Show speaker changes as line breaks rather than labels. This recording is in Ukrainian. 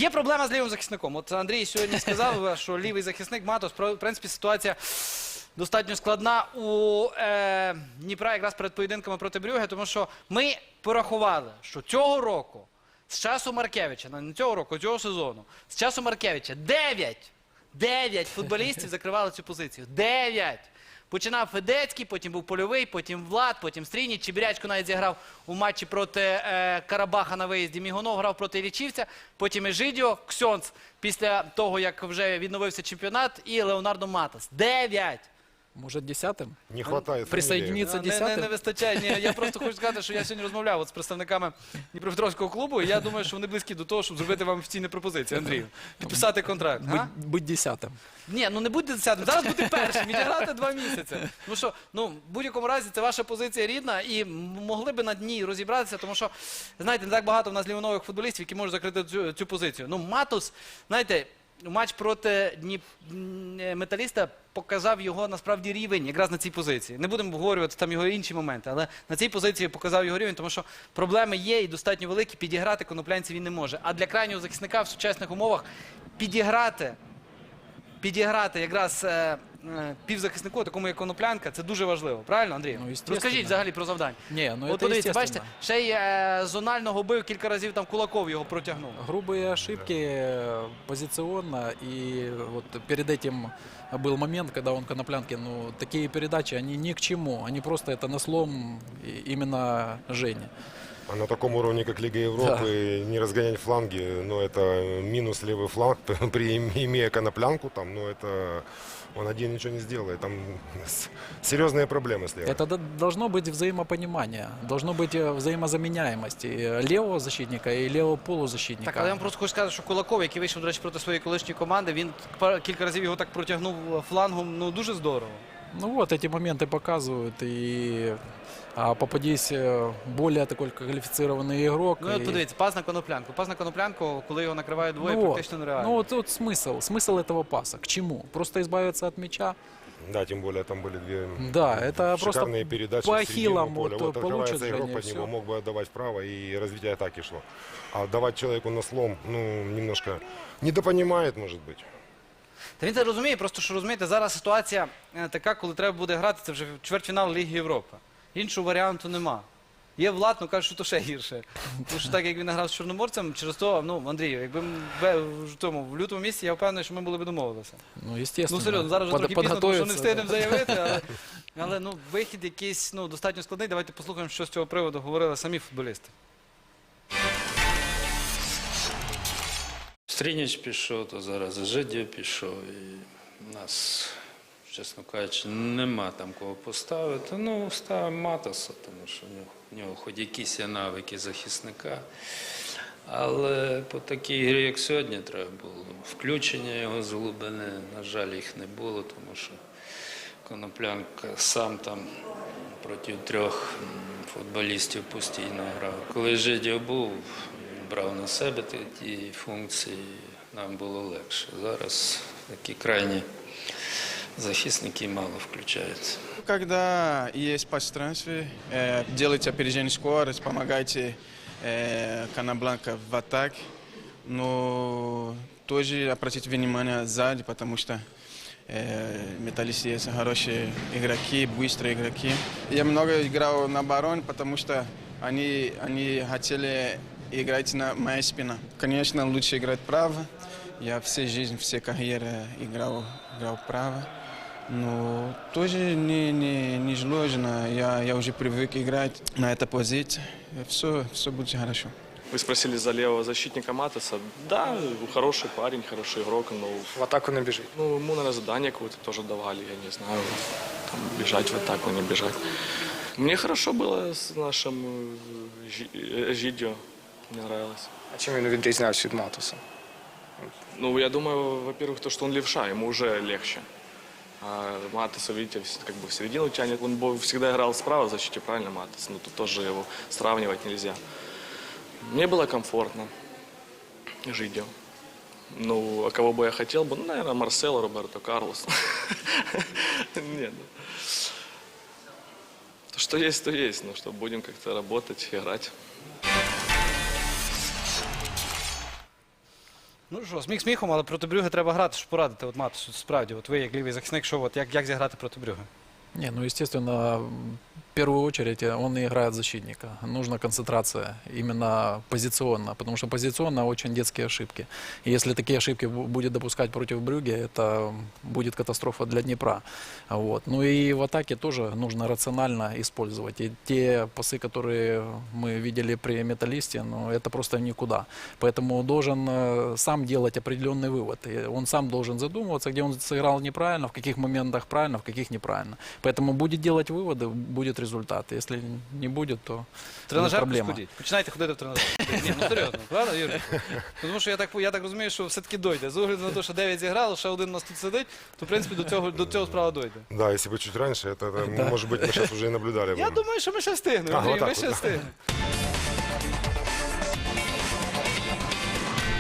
Є проблема з лівим захисником. От Андрій сьогодні сказав, що лівий захисник Матос, в принципі, ситуація достатньо складна у Дніпра якраз перед поєдинками проти Брюгге, тому що ми порахували, що цього року, з часу Маркевича, не цього року, цього сезону, з часу Маркевича 9 футболістів закривали цю позицію. 9! Починав Федецький, потім був Польовий, потім Влад, потім Стрініч. Чебірячко навіть зіграв у матчі проти Карабаха на виїзді. Мігонов грав проти Іллічівця, потім Ежидіо, Ксьонц після того, як вже відновився чемпіонат, і Леонардо Матос. 9!
Может, 10-м?
Не хватает
Присоединиться
Не
10-м?
вистачає. Ні, я просто хочу сказати, що я сьогодні розмовляв з представниками Дніпропетровського клубу, і я думаю, що вони близькі до того, щоб зробити вам офіційні пропозиції, Андрію. Підписати контракт.
Быть 10-м.
Ні, ну не будьте 10-м, зараз будьте першим, відіграти 2 місяці. Тому що, ну, в будь-якому разі, це ваша позиція рідна, і могли би над ній розібратися, тому що, знаєте, не так багато в нас лівонових футболістів, які можуть закрити цю позицію. Ну, Матос, знаєте, матч проти Металіста показав його, насправді, рівень якраз на цій позиції. Не будемо обговорювати там його інші моменти, але на цій позиції показав його рівень, тому що проблеми є і достатньо великі, підіграти коноплянців він не може. А для крайнього захисника в сучасних умовах підіграти якраз півзахиснику, такому як Коноплянка, це дуже важливо. Правильно, Андрій?
Ну, естественно.
Розкажіть взагалі про завдання.
Не, ну
От
это
подивіться, бачите,
естественно.
ще й зонального бив, кілька разів там Кулаков його протягнув.
Грубые ошибки позиционно, и вот перед этим был момент, когда он Коноплянке, ну, такие передачи, они ни к чему, они просто это на слом именно Жени.
А на таком уровне, как Лига Европы, не разгонять фланги, ну, это минус левый фланг, имея Коноплянку, там, ну, это он один ничего не сделает. Там серьезные проблемы с левой.
Это должно быть взаимопонимание, должно быть взаимозаменяемость и левого защитника, и левого полузащитника.
Так, але я вам просто хочу сказати, що Кулаков, який вийшов, до речі, проти своєї колишньої команди, він кілька разів його так протягнув флангом, ну, дуже здорово.
Ну вот, эти моменты показывают, и попадись более такой квалифицированный игрок.
Ну, от подивіться, пас на Коноплянку. Пас на Коноплянку, коли його накривають двоє,
Ну,
практично нереально.
ну вот смысл этого паса. К чему? Просто избавиться от мяча?
Да, тем более там были две
Да, это просто
шикарные передачи
по
в середину
ахиллам
поля.
вот получит
открывается игрок
Женя,
под
всё.
него, мог бы отдавать вправо, и развитие атаки шло. А давать человеку на слом, ну, немножко недопонимает, может быть.
Та він це розуміє, просто що розумієте, зараз ситуація така, коли треба буде грати, це вже чвертьфінал Ліги Європи. Іншого варіанту нема. Є Влад, ну кажуть, що то ще гірше. Тому що так, як він грав з Чорноморцем, через то, ну, Андрію, якби в лютому місяці, я впевнений, що ми були б домовилися.
Ну, естественно.
Ну, серйозно, зараз вже трохи пізно, тому що не
подготовиться,
встигнемо заявити, але ну, вихід якийсь, ну, достатньо складний. Давайте послухаємо, що з цього приводу говорили самі футболісти.
Стрініч пішов, то зараз Ежидіо пішов. І в нас, чесно кажучи, нема там кого поставити. Ну, ставимо Матоса, тому що в нього хоч якісь є навики захисника. Але по такій грі, як сьогодні, треба було включення його з глибини. На жаль, їх не було, тому що Коноплянка сам там проти 3 футболістів постійно грав. Коли Ежидіо був, брав на себе ті функції, нам було легше. Зараз такі крайні захисники мало включаються.
Когда есть пространстве, делайте опережение скорость, помогайте Коноплянка в атаке, но тоже обратите внимание сзади, потому что Металлист есть хорошие игроки, быстрые игроки. Я много играл на обороне, потому что они хотели играть на моей спине. Конечно, лучше играть право. Я всю жизнь, всю карьеру играл право. Но тоже не сложно. Я уже привык играть на этой позиции. Все будет хорошо.
Вы спросили за левого защитника Матоса. Да, хороший парень, хороший игрок, но
В атаку не бежит.
ну, ему, наверное, задание какое-то тоже давали, я не знаю, там, бежать в атаку, не бежать. Мне хорошо было с нашим Ежидіо, мне нравилось.
А чим він відрізнявся від Матоса?
Ну, я думаю, во-первых, то, что он левша, ему уже легче. А Матоса, видите, как бы в середину тянет. Он всегда играл справа в защите, правильно, Матос? Ну, тут тоже его сравнивать нельзя. Мне было комфортно. Ежидіо. Ну, а кого бы я хотел бы? Ну, наверное, Марсело, Роберто Карлос. Нет. Что есть, то есть. Ну, что будем как-то работать, играть.
Ну що, сміх сміхом, але проти Брюге треба грати, щоб порадити. От Матусу, справді, от ви як лівий захисник, що от, як зіграти проти Брюге?
Не, ну, естественно, в первую очередь он и играет защитника. Нужна концентрация именно позиционно, потому что позиционно очень детские ошибки. И если такие ошибки будет допускать против Брюгге, это будет катастрофа для Днепра. Вот. Ну и в атаке тоже нужно рационально использовать. И те пасы, которые мы видели при Металлисте, ну, это просто никуда. Поэтому должен сам делать определенный вывод. И он сам должен задумываться, где он сыграл неправильно, в каких моментах правильно, в каких неправильно. Поэтому будет делать выводы, будет результат. Если не будет, то будет
Тренажерку
проблема.
сходіть. Починайте ходити в тренажерку. Ні, ну серйозно, правда, Юрій? Тому що я так розумію, що все-таки дойде. З огляду на те, що 9 зіграло, ще один у нас тут сидить, то в принципі до цього справа дойде.
Да, если бы чуть раньше, это может быть, мы сейчас уже и наблюдали бы.
Я думаю, що ми ще встигнемо,
А,
Андрій,
отак
ми
от,
ще
да.
встигнемо.